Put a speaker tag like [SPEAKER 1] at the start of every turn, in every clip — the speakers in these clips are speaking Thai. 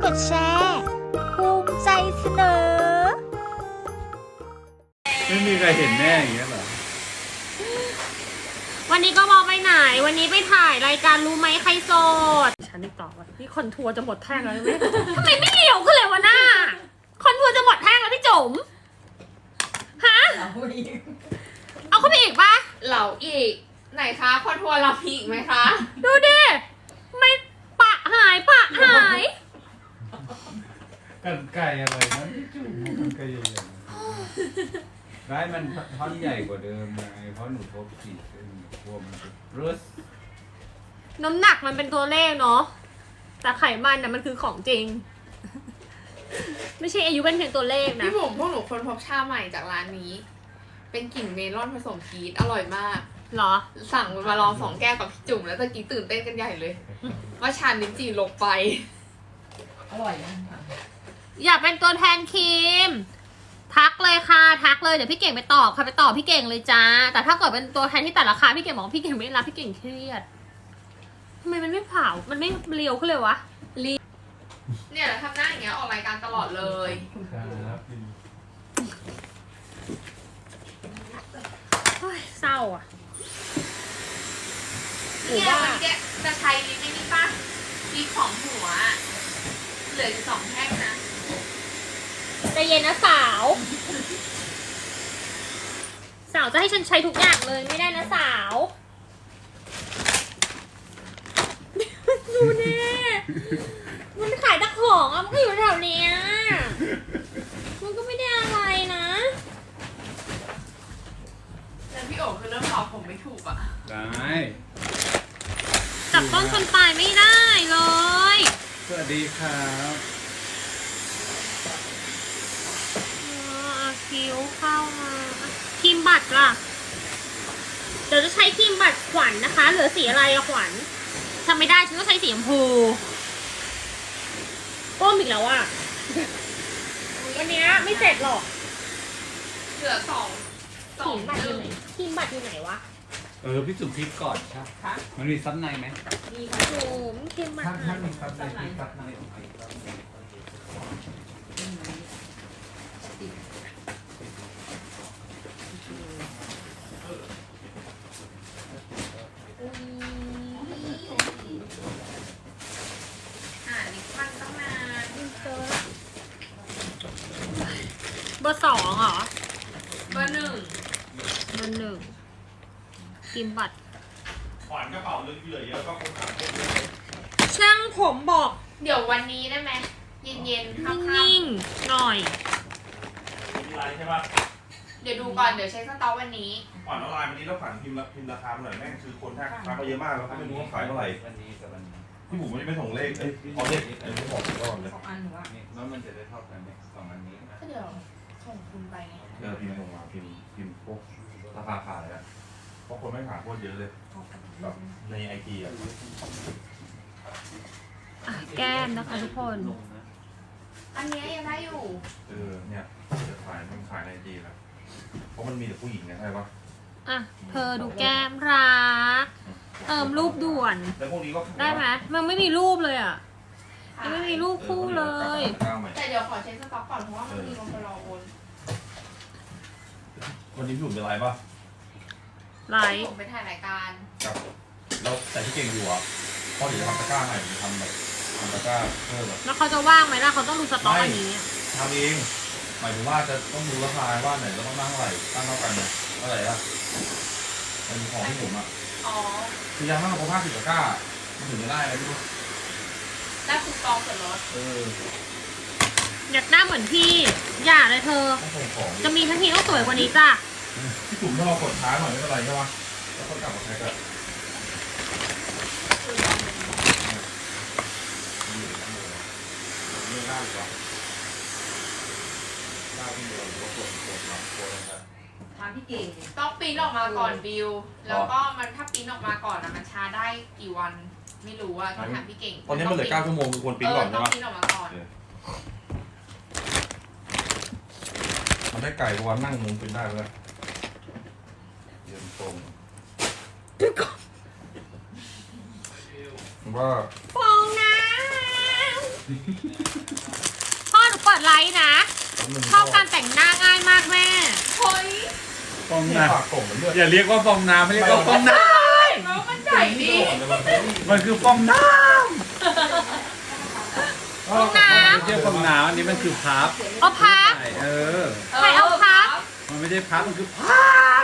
[SPEAKER 1] ดแชร์ภูมิใจเสนอ
[SPEAKER 2] ไม่มีใครเห็นแน่อย่างเงี้ยเหรอ
[SPEAKER 3] วันนี้ก็มองไปไหนวันนี้ไปถ่ายรายการรู้ไหมใครโสดฉันนี่ตอบว่าพี่คอนทัวร์จะหมดแท่งแล้วไหมทำไมไม่เลี้ยวขึ้นเลยวะหน้าคอนทัวร์จะหมดแท่งแล้วพี่จุ๋มฮะเอาเข้าไปอีกปะ
[SPEAKER 4] เหล่าอีกไหนคะคอนทัวร์เรามีอีกไหมคะ
[SPEAKER 3] ดูดิไม่ปะหาย
[SPEAKER 2] กันไก่อะไรนะพี่จุ๋มกันไก่ใหญ่ๆได้มันท่อนใหญ่กว่าเดิมไงเพราะหนูทบสี่เส้นกลัวมันจะรึส
[SPEAKER 3] น้ำหนักมันเป็นตัวเลขเนาะแต่ไขมันน่ะมันคือของจริง ไม่ใช่อายุเป็นเพียงตัวเลขนะ
[SPEAKER 4] พี่บุ๋มพวกหนูคนพบชาใหม่จากร้านนี้ เป็นกลิ่นเมลอนผสมพีชอร่อยมาก
[SPEAKER 3] เหรอ
[SPEAKER 4] สั่งมาลอง2 แก้วกับพี่จุ๋มแล้วตะกี้ตื่นเต้นกันใหญ่เลยว่าชาลิ้นจี่ลงไป
[SPEAKER 5] อร่อยนะ
[SPEAKER 3] อยากเป็นตัวแทนครีมทักเลยค่ะทักเลยเดี๋ยวพี่เก่งไปตอบค่ะไปตอบพี่เก่งเลยจ้าแต่ถ้าเกิดเป็นตัวแทนที่แต่ราคาพี่เก่งบอกพี่เก่งไม่รับพี่เก่งเครียดทำไมมันไม่เผามันไม่เรียวขึ้นเลยวะ
[SPEAKER 4] เนี่ยทำหน้าอย่างเงี้ยออกรายการตลอดเลย
[SPEAKER 2] ครับ
[SPEAKER 3] เศร้าอ่ะ
[SPEAKER 4] เนี่ยมันจะใช้ลิปไม่นี่ป่ะลิปของหัวเหลืออยู่2 แท่งนะ
[SPEAKER 3] ใจเย็นนะสาวจะให้ฉันใช้ทุกอย่างเลยไม่ได้นะสาวดูแน่มันขายตะของอ่ะมันก็อยู่แถวเนี้ยมันก็ไม่ได้อะไรนะ
[SPEAKER 4] แต่พี่โอ๋คือเริ่มตอบผมไม่ถูกอ่ะ
[SPEAKER 2] ได้
[SPEAKER 3] จับต้นชนปลายไม่ได้เลย
[SPEAKER 2] สวัสดีครับ
[SPEAKER 3] คิ้วเข้ามาครีมบัตรล่ะเดี๋ยวจะใช้ครีมบัตรขวัญ นะคะเหลือสีอะไรอะขวัญทำไม่ได้ฉันก็ใช้สีชมพูก้มอีกแล้วอะวันนี้ไม่เสร็จหรอก
[SPEAKER 4] เหลือ2
[SPEAKER 3] ครีมบัตรอยู่ไหนครีมบัตรอยู่ไหนวะ
[SPEAKER 2] พี่จุ๋มพริกก่อนใช่มันมีซับในไหม
[SPEAKER 3] มีค่ะจุ๋มครีมบัตร
[SPEAKER 2] ถ้ามีซับใน
[SPEAKER 4] ลิปมันต้องนาน
[SPEAKER 3] เบอร์ 2เหรอ
[SPEAKER 4] เบอร์ 1
[SPEAKER 3] ครีมบัตร
[SPEAKER 6] ขวานกระเป๋าเหลือเยอะก็คงหาพวก
[SPEAKER 3] ช่างผมบอก
[SPEAKER 4] เดี๋ยววันนี้ได้ไหมเย็นๆค่ำ
[SPEAKER 3] นิ่งหน่อย
[SPEAKER 6] มีไลน์ใช่ปะ
[SPEAKER 4] เดี๋ยวดูก่อนเดี๋ยวเช็คสต็อกวันนี้
[SPEAKER 6] ขวานออนไลน์วันนี้แล้วขวานพิมพ์ราคาหน่อยแม่งคือคนทักมาเยอะมากแล้วก็ไม่รู้ว่าขายเท่าไหร่พี่บุ๋มไม่ส่งเลขเอาเลขไม่บอกก่อนเลย
[SPEAKER 4] 2 อันหรือว่า
[SPEAKER 2] แล้วมันจะได้เท่ากันไหม2 อันนี้
[SPEAKER 4] ก็เดี๋ยวส่งคุณไปไง
[SPEAKER 6] พิมพ์ส่งมาพิมพ์พวกราคาขายอะเพราะคนไม่ขายโคตรเยอะเลยแบบในไอทีอะ
[SPEAKER 3] แก้มนะคะทุกคน
[SPEAKER 4] อันนี้ยังได้อยู่
[SPEAKER 6] เนี่ยจะขายมันขายในไอทีแล้วเพราะมันมีแต่ผู้หญิงไงใช่ปะ
[SPEAKER 3] อ่ะเธอดูแก้มรักเติมรูปด่วน
[SPEAKER 6] แล้วพวกนี้ก็
[SPEAKER 3] ได้ไหมมันไม่มีรูปเลยอ่ะยังไม่มีรูปคู่เลย
[SPEAKER 4] แต่เดี๋ยวขอเช็คสต็อกก่อนเพราะว่ามันมีคนรอโอน
[SPEAKER 6] วันนี้พี่บุ๋มจะไลฟ์ป่ะ
[SPEAKER 3] ไลฟ์
[SPEAKER 4] ผมไปถ่ายรายการ
[SPEAKER 6] ครับแล้วแต่ที่เก่งอยู่อ่ะเพราะเดี๋ยวทำตะกร้าใหม่ทำตะกร้าเพิ่ม
[SPEAKER 3] แล้วเขาจะว่างไหมล่ะเขาต้องดูสต็อกอันนี้
[SPEAKER 6] ทำเองหมายถึงว่าจะต้องดูราคาว่าไหนเราต้องตั้งเท่าไหร่ตั้งเท่ากันเนี่ยเท่าไหร่อะมันมีของที่ผมอ่ะคือยังไม่มาพอ50 ตะกร้ามันถึงจะได้อะไรไม่รู้
[SPEAKER 4] ได้คูปองส่วนลด
[SPEAKER 3] อยากหน้าเหมือนพี่อย่าเลยเธอจะมีทั้งทีต้องสวยกว่านี้จ้ะ
[SPEAKER 6] พี่จุ๋มถ้าเรากดช้าหน่อยไม่เป็นไรใช่ปะแล้วก็กลับมาใช้กันไม่ได้หรือเปล่าได้พี่เดียวหรือว่ากดนะครับ
[SPEAKER 5] ถามพี่เก่ง
[SPEAKER 4] ต้องปริ้นออกมาก่อนบิวแล้วก็มันถ้าปริ้นออกมาก่อนมันช้าได้กี่วันไม่รู้ว่าต้องถามพี่เก่ง
[SPEAKER 6] ตอนนี้มันเหลือ9 ชั่วโมงคือควรปริ้นก่อนใช่ไหม
[SPEAKER 4] ต้องปริ้นออกมาก่อน
[SPEAKER 6] มันได้ไก่วันนั่งมุมปริ้นได้เลยเย็นตรงว่า
[SPEAKER 3] ฟองน้พ่อหนูเปิดไลฟ์นะชอบการแต่งหน้าง่ายมากแม่
[SPEAKER 4] เฮ้ย
[SPEAKER 2] ฟอง
[SPEAKER 6] ปาก
[SPEAKER 2] น้ำ
[SPEAKER 6] กลมเหมือนเลือด
[SPEAKER 2] อย่าเรียกว่าฟองน้ำไม่เรียกว่าฟองน้
[SPEAKER 4] แล้วมันใหญ่ดี
[SPEAKER 2] ำมันคือฟองน้ำ
[SPEAKER 3] ฟองน้ำ
[SPEAKER 2] ไม่ใช่ฟองน้ำอันนี้มันคือพับ
[SPEAKER 3] เอาพับ
[SPEAKER 2] ใช่อ
[SPEAKER 3] ใครเอาพับ
[SPEAKER 2] มันไม่ได้พับมันคือพับ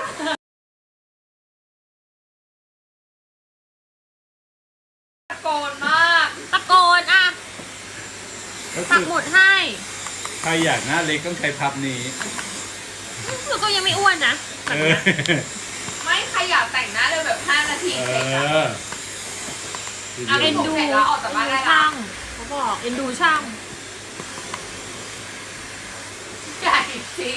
[SPEAKER 4] ตะโกนมาก
[SPEAKER 3] ตะโกนอ่ะ
[SPEAKER 2] ก็
[SPEAKER 3] ปั
[SPEAKER 2] คื
[SPEAKER 3] ก
[SPEAKER 2] อ
[SPEAKER 3] หมุดให้
[SPEAKER 2] ใครอยากหน้าเล็กต้องใช้พับนี้
[SPEAKER 3] หนูก็ยังไม่อ้วนนะ
[SPEAKER 2] เออ
[SPEAKER 4] ไม่ใครอยากแต่งหน้าเลยแบบ5 นาที
[SPEAKER 2] เอ
[SPEAKER 4] เสร็จอะ
[SPEAKER 2] อ
[SPEAKER 4] เอาไป
[SPEAKER 3] เอ็นดู
[SPEAKER 4] เสร็จแล้วออกจากบ้านได้ละ
[SPEAKER 3] ช่างเขาบอกเอ็นดูช่าง
[SPEAKER 4] ใหญ่จริง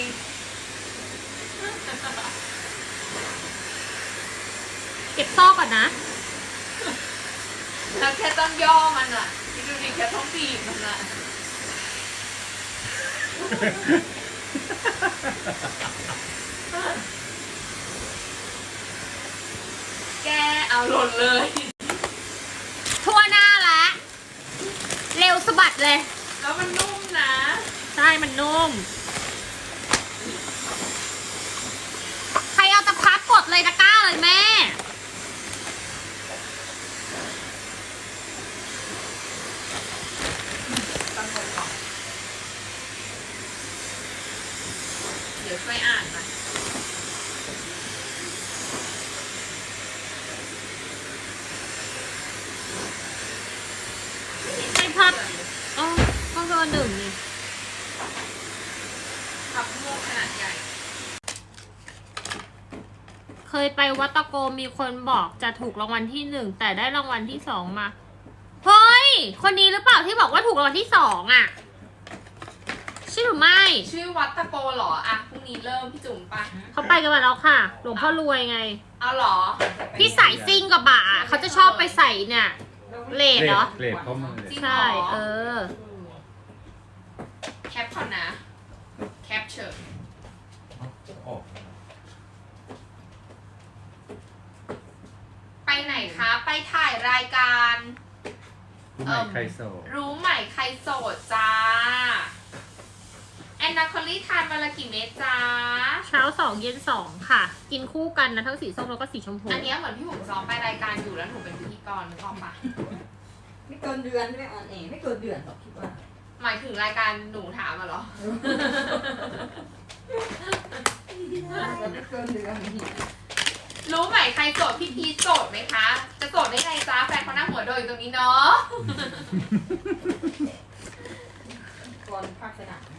[SPEAKER 3] เก็บซอกก่อนนะ
[SPEAKER 4] แล้วแค่ต้องย่อมันอ่ะคิดดูดิแค่ต้องบีบมันอ่ะแกเอาหล่นเลย
[SPEAKER 3] ทั่วหน้าแล้ว เร็วสะบัดเลย
[SPEAKER 4] แล้วมันนุ่มนะ
[SPEAKER 3] ใช่ มันนุ่ม ใครเอาตะพับกดเลยตะกร้าเลยแม่
[SPEAKER 4] ตั้งก่อนเดี๋ยวช่วยอ่านหน่อย
[SPEAKER 3] ใช่พับอ๋อก็เบอร์หนึ่งนี่
[SPEAKER 4] พับม่วงขนาดใหญ่
[SPEAKER 3] เคยไปวัดตะโกมีคนบอกจะถูกรางวัลที่ 1แต่ได้รางวัลที่ 2มาเฮ้ยคนนี้หรือเปล่าที่บอกว่าถูกรางวัลที่ 2อ่ะใช่หรือไม่
[SPEAKER 4] ชื่อวัดตะโกเหรออ่ะพรุ่งนี้เริ่มพี่จุ๋มปะ
[SPEAKER 3] เขาไปกันมาแล้วค่ะ หลวงพ่อรวยไง
[SPEAKER 4] เอาเหรอ
[SPEAKER 3] พี่สายซิ่งกับบ่าเขาจะชอบไปใส่เนี่ยเลดเหรอ
[SPEAKER 2] เกรดเข้ามาเลย
[SPEAKER 4] จริงเหร
[SPEAKER 3] ใช่
[SPEAKER 4] อ
[SPEAKER 3] เออ
[SPEAKER 4] แคปก่อนนะ แคปเชิญ
[SPEAKER 6] ออก
[SPEAKER 4] ไปไหนคะ ไปถ่ายรายการ
[SPEAKER 2] ผู้ใหม่ใครโสด
[SPEAKER 4] รู้ใหม่ใครโสดจ้า แอนนาคอลลี่ทานวันละกี่เม็ดจ้า
[SPEAKER 3] เช้า 2 เย็น 2 ค่ะ กินคู่กันนะทั้งสีส้มแล้วก็สีชมพู
[SPEAKER 4] อันเนี้ยเหมือนพี่หมูซ้อมไปรายการอยู่แล้วหนูเป็นพิธีกรนึกออกปะ
[SPEAKER 5] ไม่เกินเดือนไม่ออนเองไม่เกินเดือนหรอกคิดว่า
[SPEAKER 4] หมายถึงรายการหนูถามอะเหรอ
[SPEAKER 5] จะไม่เกินเดือน
[SPEAKER 4] รู้ไหมใครโสดพี่พีชโสดไหมคะ จะโสดได้ไงจ้าแฟนเขานั่งหัวโดยอยู่ตรงนี้เนาะ
[SPEAKER 5] ก่อนภาคสนาม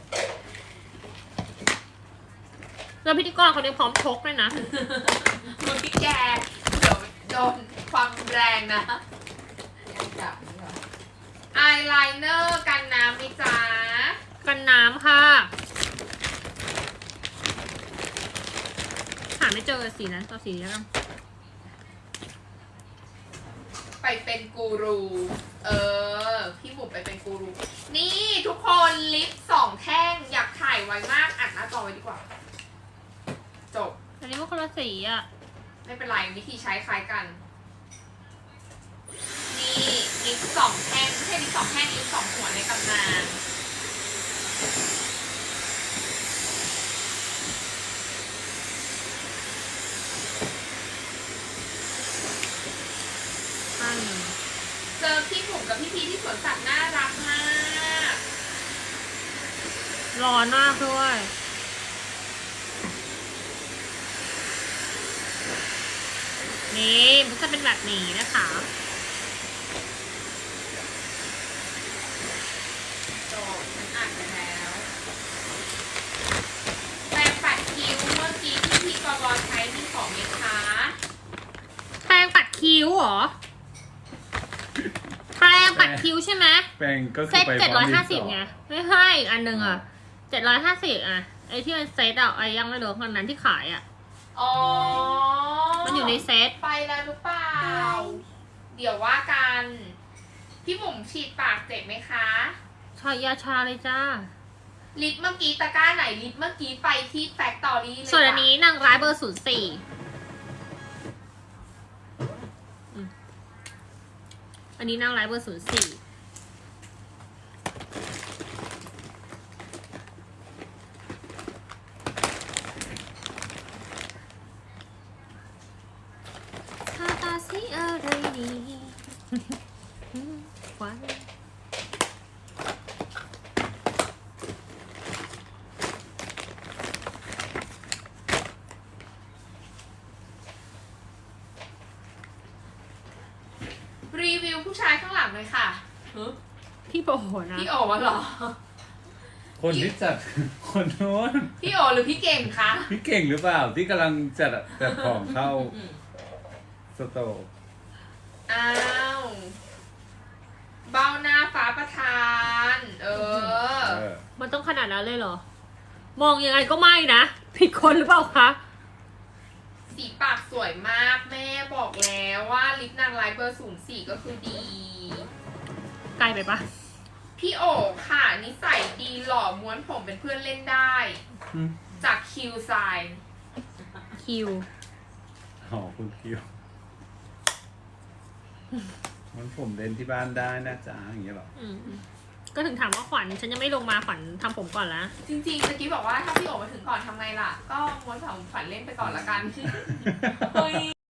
[SPEAKER 3] แล้วพิธีกรคนนี้พร้อมชกด้วยนะ
[SPEAKER 4] มึงพี่แกเดี๋ยวโดนความแรงนะ
[SPEAKER 5] ยังจับนี่เหรอ
[SPEAKER 4] อายไลเนอร์กันน้ำไหมจ้า
[SPEAKER 3] กันน้ำค่ะ หาไม่เจอสีนั้นตัวสีนี้แล้วกัน
[SPEAKER 4] ไปเป็นกูรู พี่บุ๋มไปเป็นกูรู นี่ทุกคนลิป2 แท่งอยากถ่ายไว้มากอัดหน้าจอไว้ดีกว่า จบ
[SPEAKER 3] อันนี้มันคนละสีอ่ะ
[SPEAKER 4] ไม่เป็นไรวิธีใช้คล้ายกัน นี่ลิป2 แท่งไม่ใช่ลิป2 แท่งลิป2 หัวในตำนาน
[SPEAKER 3] อันหนึ่ง
[SPEAKER 4] เจอพี่บุ๋มกับพี่พีที่สวนสัตว์น่ารักมาก
[SPEAKER 3] ร้อนมากด้วย นี่มันจะเป็นแบบนี้นะคะ
[SPEAKER 4] จบฉันอ่านไปแล้วแปรงปัดคิ้วเมื่อกี้ที่พี่กบใช้มีของไหมคะ
[SPEAKER 3] แปรงปัดคิ้วเหรอ แปรงปัดคิ้วใช่ไหม
[SPEAKER 2] แปลงก็คื
[SPEAKER 3] เซ็
[SPEAKER 2] อ
[SPEAKER 3] ต
[SPEAKER 2] ไปพร้อมดินสอ
[SPEAKER 3] 750ไง ไม่ให้อีกอันหนึ่งอ่ะ750อ่ะ ไอที่มันเซ็ตอ่ะไอยังไม่รู้คนนั้นที่ขายอ่ะ
[SPEAKER 4] อ๋อ
[SPEAKER 3] มันอยู่ในเซ็ต
[SPEAKER 4] ไปแล้วหรือเปล่า เดี๋ยวว่ากัน พี่บุ๋มฉีดปากเจ็บไหมคะ
[SPEAKER 3] ชอยาชาเลยจ้า
[SPEAKER 4] ลิปเมื่อกี้ตะกร้าไหนลิปเมื่อกี้ไปที่แฟคตอรี่เลย
[SPEAKER 3] ส่วนอันนี้นางร้ายเบอร์ 04อันนี้นางร้ายเบอร์ 04 อะไรดีควัน
[SPEAKER 4] รีวิวผู้ชายข้างหลังเลยค่ะ
[SPEAKER 3] พี่โบนะ
[SPEAKER 4] พี่โอวะเหรอ
[SPEAKER 2] คนที่จัด คนโน้น
[SPEAKER 4] พี่โอหรือพี่เก่งคะ
[SPEAKER 2] พี่เก่งหรือเปล่าที่กำลังจัดของเข้าสโตร์
[SPEAKER 4] อ้าวเบ้าหน้าฟ้าประธาน
[SPEAKER 2] เออ
[SPEAKER 3] มันต้องขนาดนั้นเลยเหรอ มองยังไงก็ไม่นะ ผิดคนหรือเปล่าคะ
[SPEAKER 4] สีปากสวยมากแม่บอกแล้วว่าลิปนางร้ายเบอร์04ก็คือดี
[SPEAKER 3] ไกลไปปะ
[SPEAKER 4] พี่โอค่ะนิสัยดีหล่อม้วนผมเป็นเพื่อนเล่นได้ จากคิวไซน์
[SPEAKER 3] คิว
[SPEAKER 2] อ๋อคุณคิวมันผมเล่นที่บ้านได้นะจ๊ะอย่างเงี้ยหรอ
[SPEAKER 3] ก็ถึงถามว่าขวัญฉันยังไม่ลงมาขวัญทำผมก่อนละ
[SPEAKER 4] จริงๆเมื่อกี้บอกว่าถ้าพี่โอมาถึงก่อนทำไงล่ะ ก็ม้วนผมฝันเล่นไปก่อนละกันเฮ้ย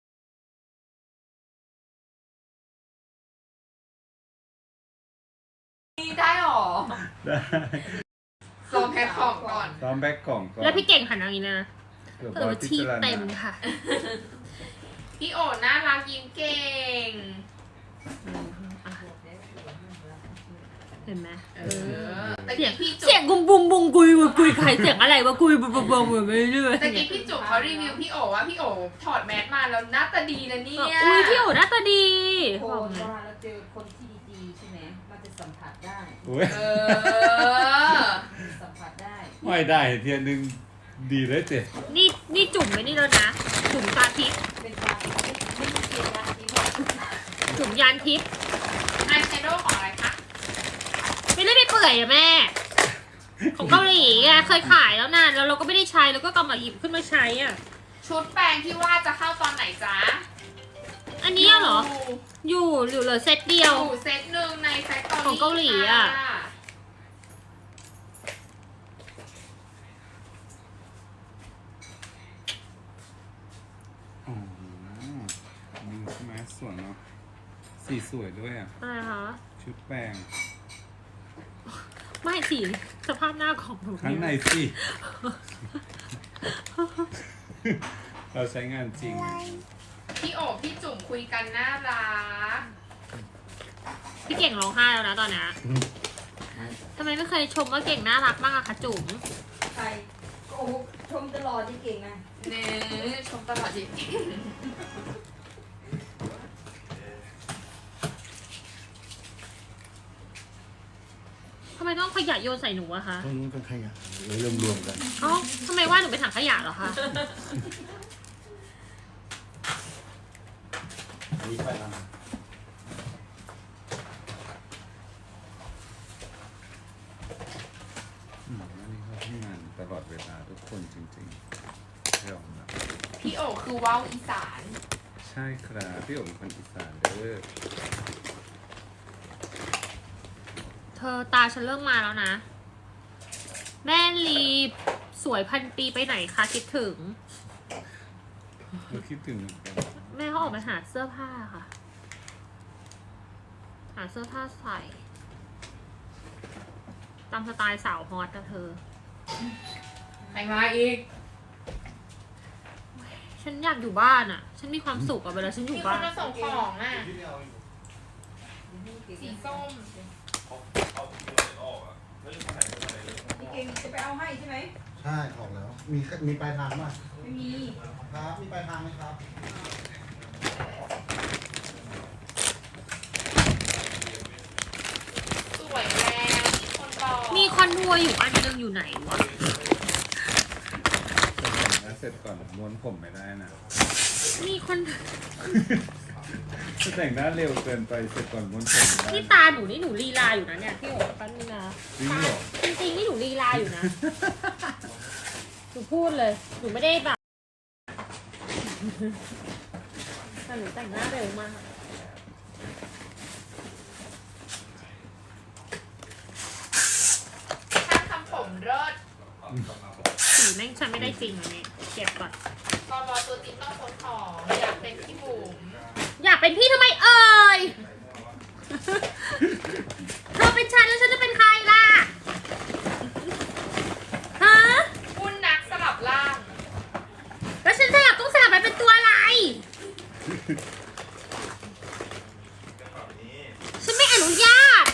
[SPEAKER 4] ได้หรอ
[SPEAKER 2] ได้
[SPEAKER 4] ลองแพ็คของก่อน
[SPEAKER 2] ซ้อมแบ็กกล่องก่อน
[SPEAKER 3] แล้วพี่เก่งหันอย่างนี้นะ
[SPEAKER 2] เผื่อ
[SPEAKER 3] เออ
[SPEAKER 2] ว่า
[SPEAKER 3] ชีพ
[SPEAKER 2] พิจารณา
[SPEAKER 3] เต็มค่ะ
[SPEAKER 4] พี่โอน่ารักยิ้มเก่ง
[SPEAKER 3] เห็นไหม
[SPEAKER 4] ตะกี้พี่จุ๊
[SPEAKER 3] เสียงกุมบุมบุงกุยใครเสียงอะไรวะกุยบุมบุมไปเรื่อย
[SPEAKER 4] ตะกี้พี่จุ๊เขารีวิวพี่โอว่าพี่โอถอดแมสมาแล้วหน้าตาดีนะเนี่ย
[SPEAKER 3] อุ้ยพี่โอ๋หน้าตาดี
[SPEAKER 5] โคนว่าเราเจอคนที่ดีๆใช่ไหมมันจะสัมผัสได้
[SPEAKER 2] อุ้ย
[SPEAKER 4] เออ
[SPEAKER 5] สัมผัสได้
[SPEAKER 2] ไม่ได้เทียนหนึ่งดีเลยเจ๊
[SPEAKER 3] นี่จุ่มไปนี่แล้วนะ จุ่มตาทิพย์
[SPEAKER 5] เป็นการไม่มีเกียรติยศที่บอก
[SPEAKER 3] จุ่มยานทิพย์
[SPEAKER 4] อายแชโดว์ของอะไรคะ
[SPEAKER 3] ไม่ได้ไปเปื่อยอะแม่ ของเกาหลีไงเคยขายแล้วนานแล้วเราก็ไม่ได้ใช้แล้วก็กำลังหยิบขึ้นมาใช้อ่ะ
[SPEAKER 4] ชุดแปรงที่ว่าจะเข้าตอนไหนจ๊ะ
[SPEAKER 3] อันนี้เหรอ อยู่เหลือเซตเดียว
[SPEAKER 4] อยู่เซตหนึ่งในแฟคตอรี่
[SPEAKER 3] ของเกาหลีอะ
[SPEAKER 4] ค่ะ
[SPEAKER 2] อ๋อนี่ใช่ไหมสวยเนาะสีสวยด้วยอ่ะ
[SPEAKER 3] อะไรคะ
[SPEAKER 2] ชุดแป้ง
[SPEAKER 3] ไม่สิสภาพหน้าของหนู
[SPEAKER 2] ข้างในสิ เราใช้งานจริง
[SPEAKER 4] พี่โอพี่จุ๋มคุยกันน่ารัก
[SPEAKER 3] พี่เก่งร้องไห้แล้วนะตอนนี้ทำไมไม่เคยชมว่าเก่งน่ารักบ้างอะคะจุ๋ม
[SPEAKER 5] ใครโอ้โหชมตลอดที่เก่งนะ
[SPEAKER 4] เนื้อชมตลอดจริง
[SPEAKER 3] ทำไมต้องขยะโยนใส่หนูอะคะ
[SPEAKER 7] ตรงนู้นเป็นขยะเลยรวมๆกัน
[SPEAKER 3] เอ้าทำไมว่าหนูเป็นถังขยะเหรอคะ
[SPEAKER 7] อันนี้ไปแล้ว
[SPEAKER 2] อันนี้เขาทำงานตลอดเวลาทุกคนจริงๆยอมรับ
[SPEAKER 4] พี่โอคือว่าวอีสาน
[SPEAKER 2] ใช่ครับพี่โอ๋เป็นคนอีสานเด้อ
[SPEAKER 3] เธอตาฉันเริ่มมาแล้วนะ แม่ลีสวยพันปีไปไหนคะคิดถึง
[SPEAKER 2] เราคิดถึงเหมือนกัน
[SPEAKER 3] แม่เขาออกไปหาเสื้อผ้าค่ะ หาเสื้อผ้าใส่ ตามสไตล์สาวฮอตนะเธอ
[SPEAKER 4] ใครมาอีก
[SPEAKER 3] ฉันอยากอยู่บ้านอะฉันมีความสุขอะเวลาฉันอ
[SPEAKER 4] มี
[SPEAKER 3] ยู่
[SPEAKER 4] ค
[SPEAKER 3] บ้าน น
[SPEAKER 4] มาส่งของอ่ะ สีส้ม
[SPEAKER 5] พี่เก่งจะไปเอาให้ใช่ไหม
[SPEAKER 7] ใช่ออกแล้ว มีปลายทางป่ะ
[SPEAKER 5] ไม่มี
[SPEAKER 7] ครับ มีปลายทางไหมครับ
[SPEAKER 4] สวยแล้วมีคนบอก
[SPEAKER 3] มีคอนทัวร์อยู่อันนึงอยู่ไหนวะ
[SPEAKER 2] แล้วเสร็จก่อนม้วนผมไม่ได้นะ
[SPEAKER 3] มีคน
[SPEAKER 2] ถ้าแต่งหน้าเร็วเกินไปเสร็จก่อนม้วนผมไม่ได้
[SPEAKER 3] นี่ตาหนูนี่หนูลีลาอยู่นะเนี่ยพี่โอ๋แป๊บนึงนะ
[SPEAKER 2] จริงเหรอ
[SPEAKER 3] จริงๆนี่หนูลีลาอยู่นะ หนูพูดเลย หนูไม่ได้แบบแต่หนูแต่งหน้าเร็วมาก
[SPEAKER 4] ช่างทำผมเลิศ
[SPEAKER 3] สีแม่งฉันไม่ได้จริงอันนี้เก็บก่อน
[SPEAKER 4] กบตัวจริงต้องคนของอยากเป็นพี่บุ๋ม
[SPEAKER 3] อยากเป็นพี่ทำไมเอ่ย เธอเป็นฉันแล้วฉันจะเป็นใครล่ะ ฮะ
[SPEAKER 4] คุณนักสลับล่าง
[SPEAKER 3] แล้วฉันต้องสลับไปเป็นตัวอะไร ฉันไม่อนุญาต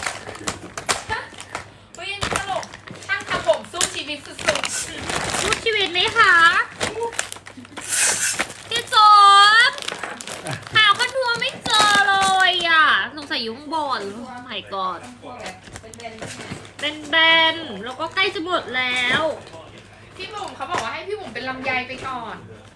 [SPEAKER 4] เฮ้ยอันนี้ตลกช่างทำผมสู้ชีวิตสุด
[SPEAKER 3] พูดชีวิตไหมคะพี่โจบหาคนทัวร์ไม่เจอเลยอ่ะสงสัยอยู่ข้างบนโอ้ my god
[SPEAKER 5] พวกแบบเป็นแบน
[SPEAKER 3] เป็นแบนๆแล้วก็ใกล้จะหมดแล้ว
[SPEAKER 4] ๆพี่บุ๋มเขาบอกว่าให้พี่บุ๋มเป็นลำไยไปก่อน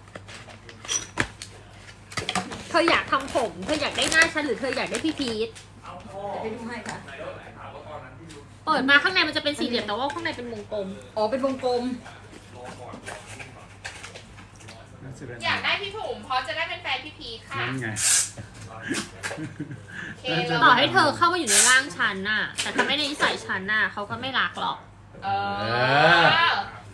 [SPEAKER 3] เธออยากทำผม เธออยากได้หน้าฉันหรือเธออยากได้พี่พีท
[SPEAKER 5] จะไปดูให้ค่ะ
[SPEAKER 3] เปิดมาข้างในมันจะเป็นสี่เหลี่ยมแต่ว่าข้างในเป็นวงกลม
[SPEAKER 5] อ๋อเป็นวงกลม
[SPEAKER 4] อยากได้พี่บุ๋มเพราะจะได้เป็นแฟนพี่พีทค่ะ
[SPEAKER 2] นั่นไง
[SPEAKER 4] เคเลย
[SPEAKER 3] ต่อให้เธอเข้ามาอยู่ในร่างฉันน่ะ แต่ถ้าไม่ได้นิสัยฉันน่ะเขาก็ไม่รักหรอก
[SPEAKER 4] เออ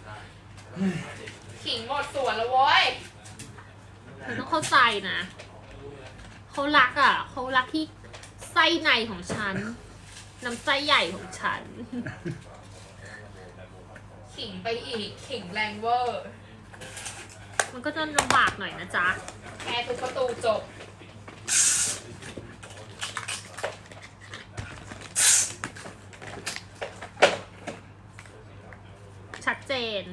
[SPEAKER 4] ขิงหมดสวนแล้วเว้ย
[SPEAKER 3] เธอต้องเข้าใจนะเขารักอ่ะเขารักที่ไส้ในของฉันน้ำไส้ใหญ่ของฉัน
[SPEAKER 4] ขิงไปอีกขิงแรงเวอร์
[SPEAKER 3] มันก็จะลำบากหน่อยนะจ๊ะ
[SPEAKER 4] แค่ทุกประตูจบ
[SPEAKER 3] ชัดเจน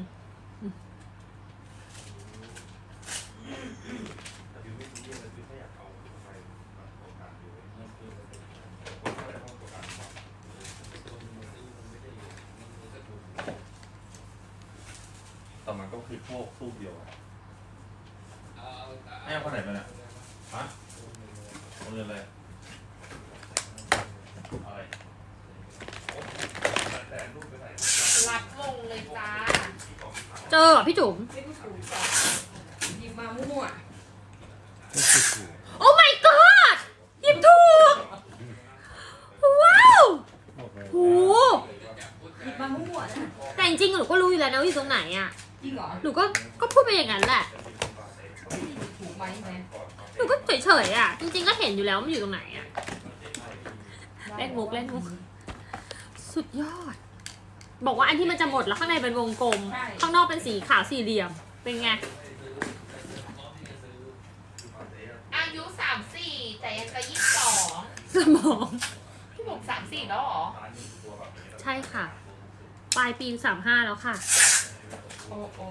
[SPEAKER 6] แต่มันก็คือพวกรูปเดียวอะให้เอาคนไหนไปเนี่ยฮะคนเงินอะไรอะไร
[SPEAKER 4] รับมงเลยจ้า
[SPEAKER 3] เจอเหรอพี่จุ๋ม
[SPEAKER 5] ไม่รู้ถูกจ้ะหยิบมามั่ว
[SPEAKER 3] โอ้ my god หยิบถูก ว้าวโห
[SPEAKER 5] ๆหยิบมามั่วๆนะ
[SPEAKER 3] แต่จริงๆหนูก็รู้อยู่แล้วนะว่าอยู่ตรงไหนอ่ะ
[SPEAKER 5] จริงเหรอ
[SPEAKER 3] หนูก็พูดไปอย่างนั้นแหละ
[SPEAKER 5] ถูกไหมแม่
[SPEAKER 3] หนูก็เฉยๆอ่ะ จริงๆก็เห็นอยู่แล้วว่ามันอยู่ตรงไหนอ่ะ เล่นมุก สุดยอด บอกว่าอันที่มันจะหมดแล้วข้างในเป็นวงกลม ข้างนอกเป็นสีขาวสี่เหลี่ยม เป็นไง
[SPEAKER 4] อายุ34แต่ยังจะ22
[SPEAKER 3] สมอง
[SPEAKER 4] พี่บุ๋ม34แล้วเหรอ
[SPEAKER 3] ใช่ค่ะ ปลายปี35แล้วค่ะ
[SPEAKER 4] โอ้โอ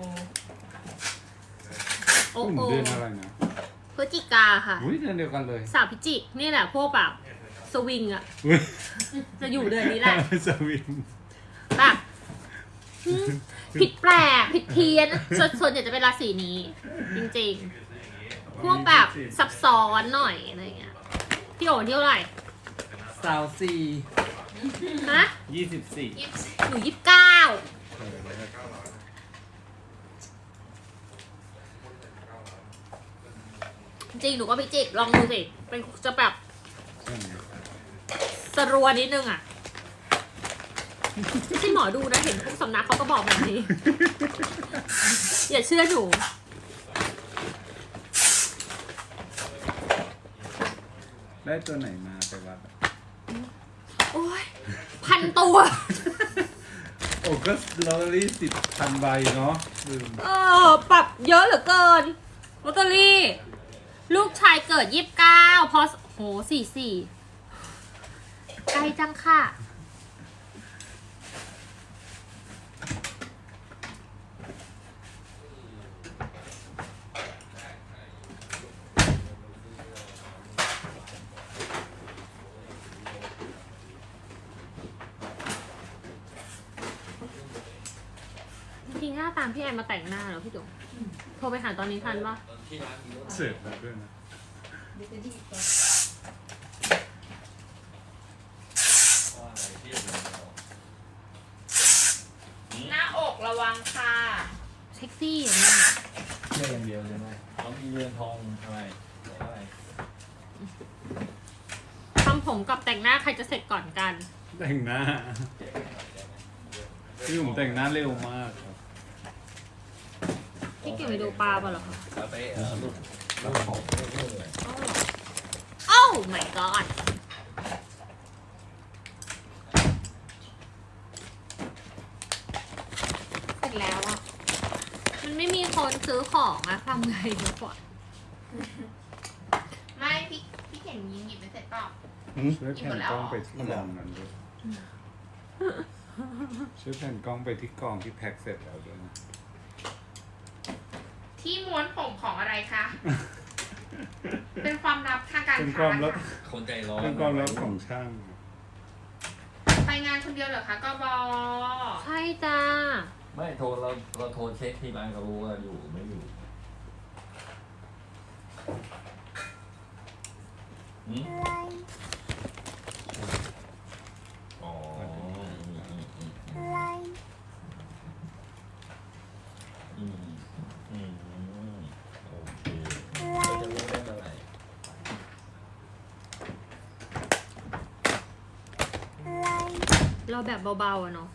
[SPEAKER 3] โอ้
[SPEAKER 2] กลุ่ม
[SPEAKER 3] โอ
[SPEAKER 2] เดือนอะไรนะ
[SPEAKER 3] พฤศจิกาค่ะ
[SPEAKER 2] อุ้ยเดือนเดียวกันเลย
[SPEAKER 3] สาวพิจิกนี่แหละพวกแบบสวิงอ่ะ
[SPEAKER 2] อุ้ย
[SPEAKER 3] จะอยู่เดือนนี้แหละ
[SPEAKER 2] สวิง
[SPEAKER 3] แบบผิดแปลกผิดเพี้ยนส่วนใหญ่จะเป็นราศีนี้ จริงๆ พวกแบบซับซ้อนหน่อยอะไรเงี้ยพี่โอ๋วันที่เท่าไหร่
[SPEAKER 8] สาวสี่
[SPEAKER 3] ฮะ
[SPEAKER 8] 24
[SPEAKER 3] หนู29จริงๆหนูก็พิจิกลองดูสิเป็นจะแบบสรัวนิดนึงอ่ะไม่ใช่หมอดูนะเห็นทุกสำนักเขาก็บอกแบบนี้ อย่าเชื่อหนู
[SPEAKER 2] ได้ตัวไหนมาไปวัดอะ
[SPEAKER 3] โอ้ย1,000 ตัว
[SPEAKER 2] โอ้ก็ลอตเตอรี่10,000 ใบเนาะลืม
[SPEAKER 3] ปรับเยอะเหลือเกินลอตเตอรี่ ลูกชายเกิด29พอโห44ใกล้จังค่ะ จริงๆหน้าตามพี่แอนมาแต่งหน้าแล้วพี่จุ๋มโทรไปหาตอนนี้ทันปะ
[SPEAKER 2] เสร็จแล้วด้วยนะ
[SPEAKER 5] เดี๋ยวจะดีกว่า
[SPEAKER 4] หน้าอกระวังค่ะ
[SPEAKER 3] เซ็กซี่อย่างนี้
[SPEAKER 8] เชื่ออย่างเดียวใช่ไหมเขามีเรือนทองอะไรอะไร
[SPEAKER 3] ทำผมกับแต่งหน้าใครจะเสร็จก่อนกัน
[SPEAKER 2] แต่งหน้าพี่ผมแต่งหน้าเร็วมากครับ
[SPEAKER 3] พี่เก็บไปดูปลาป่ะเหรอคะ
[SPEAKER 8] แล้วไปลูกของ
[SPEAKER 3] อ๋อเหรอ my god
[SPEAKER 4] เสร็จแล้วอ่ะ
[SPEAKER 3] มันไม่มีคนซื้อของอะทำไงดีกว่า
[SPEAKER 4] ไม่พี่เข็นยิงหยิบไม่เสร็จเปล่า
[SPEAKER 2] ช่วยแผ่นกล้องไปที่กล่องนั้นด้วยช่วยแผ่นกล้องไปที่กล่องที่แพ็คเสร็จแล้วด้วยนะ
[SPEAKER 4] ที่ม้วนผมของอะไรคะ เป็นความลับทางการ
[SPEAKER 2] เป็นค
[SPEAKER 4] ค้าว
[SPEAKER 2] ามลับ
[SPEAKER 4] ค่ะ
[SPEAKER 8] คนใจร้อน
[SPEAKER 2] เป็นความลับของช่าง
[SPEAKER 4] ไปงานคนเดียวเหรอคะกบ
[SPEAKER 3] ใช่จ้า
[SPEAKER 8] ไม่โทรเราโทรเช็คที่ร้านก็รู้ว่าอยู่หรือไม่อยู่หืมอ๋อโอเคเราจะรู้ได้เมื่อไหร่
[SPEAKER 3] เราแบบเบาๆอะเนาะ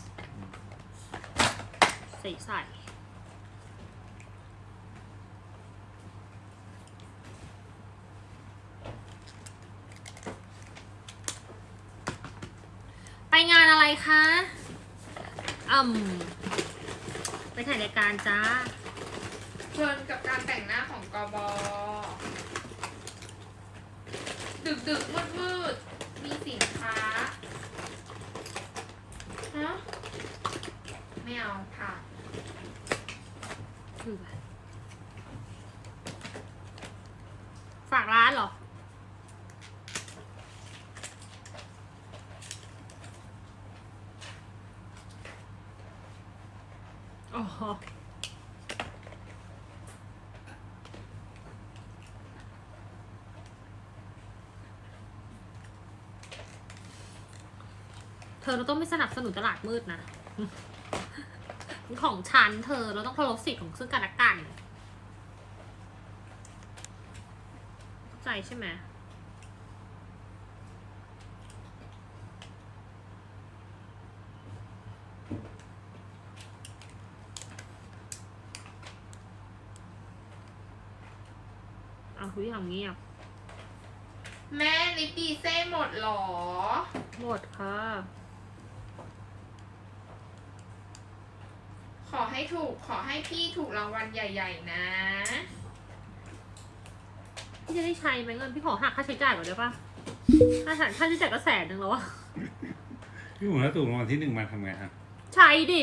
[SPEAKER 3] ใส่ไปงานอะไรคะไปถ่ายรายการจ้า
[SPEAKER 4] เพลินกับการแต่งหน้าของกบดึกมืดมีสินค้าฮะไม่เอาค่ะ
[SPEAKER 3] คือแบบฝากร้านเหรอ อ๋อ เธอเราต้องไม่สนับสนุนตลาดมืดนะ ของฉันเธอเราต้องเคารพสิทธิ์ของซึ่งกันและกันเข้าใจใช่ไหมเอาทุกอย่างเงียบ
[SPEAKER 4] แม่ลิปดีเซ่หมดเหรอ
[SPEAKER 3] หมดค่ะ
[SPEAKER 4] ขอให้พี่ถูกรางวัลใหญ่ๆนะ
[SPEAKER 3] พี่จะได้ใช้ไหมเงินพี่ขอหักค่าใช้จ่ายก่อนได้ปะค่าใช้จ่ายก็100,000แล้วอะ
[SPEAKER 2] พี่หมูถ้าถูกรางวัลที่ 1มาทำไงฮะ
[SPEAKER 3] ใช้ดิ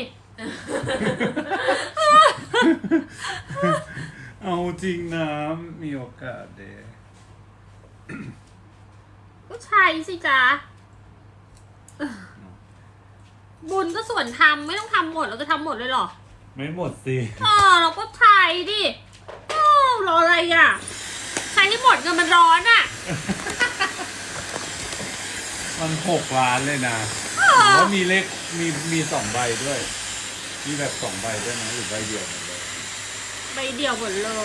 [SPEAKER 2] เอาจริงนะมีโอกาสเด
[SPEAKER 3] ก็ใช้สิจ๊ะ บุญก็ส่วนทำไม่ต้องทำหมดเราจะทำหมดเลยเหรอ
[SPEAKER 2] ไม่หมดสิ
[SPEAKER 3] เราก็ใช้ดิรออะไรอ่ะ ใช้ให้หมดเงินมันร้อนอ่ะ
[SPEAKER 2] มัน6 ล้านเลยนะหรือว่ามีเลขมี2 ใบด้วย มีแบบ2 ใบด้วยนะหรือใบเดียวหมดเลย
[SPEAKER 3] ใบเดียวหมดเลย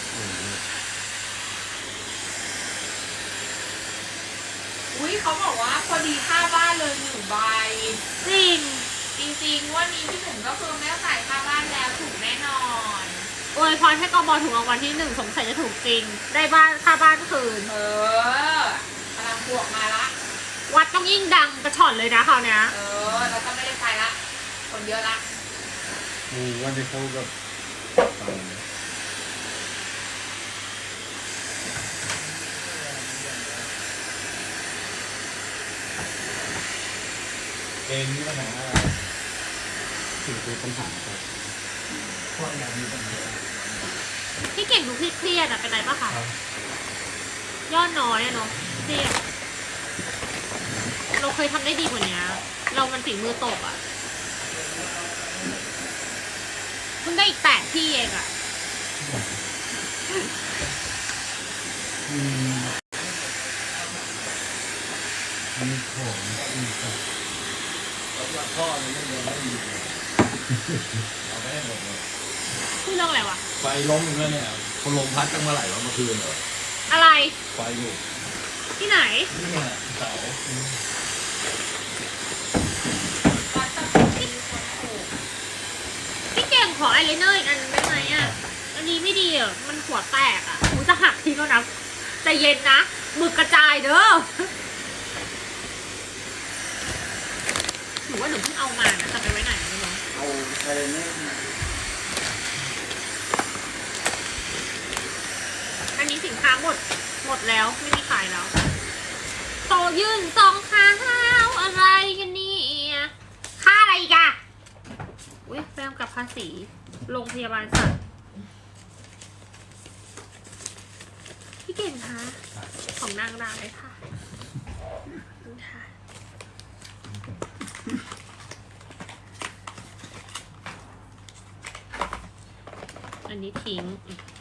[SPEAKER 4] อุ้ยเขาบอกว่าพอดีค่าบ้านเลย1 ใบ
[SPEAKER 3] จริง
[SPEAKER 4] จริงๆวันนี้พี่หนุ่มก็คือไม่ต้องจ่ายค่าบ้านแล้วถูกแน่นอน
[SPEAKER 3] อวยพรให้กบถูกรางวัลที่ 1สงสัยจะถูกจริง ได้บ้านค่าบ้านคืน
[SPEAKER 4] พลังบวกมาละ
[SPEAKER 3] วัดต้องยิ่งดังกระฉ่อนเลยนะคราวเนี้ย
[SPEAKER 4] เราก็ไม่ได้ไปละ คนเยอะละ
[SPEAKER 2] วันที่เขาแบบ
[SPEAKER 8] เองนี่ปัญหาอะไร
[SPEAKER 2] ถึงคือปัญหาครับ
[SPEAKER 8] เพราะอยากมีปัญหา
[SPEAKER 3] พี่เก่งดูเครียดๆอะเป็นไรปะคะยอดน้อยอะเนาะเครียดเราเคยทำได้ดีกว่านี้เรามันฝีมือตกอะเพิ่งได้อีก8 ที่เองอะ
[SPEAKER 2] มีของอีกครับ
[SPEAKER 8] แล้วพ่อมันไม่ยังไม่ดีเอาไปให้หมดเลย
[SPEAKER 3] พูดเรื่องอะไรวะ
[SPEAKER 8] ไฟล้มอีกแล้วเนี่ยคนลมพัดตั้งเมื่อไหร่วะเมื่อคืนเหรอ
[SPEAKER 3] อะไร
[SPEAKER 8] ไฟอยู่
[SPEAKER 3] ที่ไหน
[SPEAKER 8] นี่ไงเสา
[SPEAKER 4] วัดต้องมีคนถูก
[SPEAKER 3] พี่เก่งขออายไลเนอร์อีกอันได้ไหมอะอันนี้ไม่ดีอะมันหัวแตกอะกูจะหักทิ้งแล้วนะใจเย็นนะหมึกกระจายเด้อหนูว่าหนูเพิ่งเอามานะจะไปไว้ไหนไม่รู้
[SPEAKER 8] เอาไปเลยเนี่ย
[SPEAKER 3] อันนี้สินค้าหมดแล้วไม่มีขายแล้วโตยื่นซองข้าวอะไรกันเนี่ยค่าอะไรอีกอะอุ้ยแปมกับภาษีโรงพยาบาลสัตว์พี่เก่งคะของนางร้ายค่ะค่ะอันนี้ทิ้ง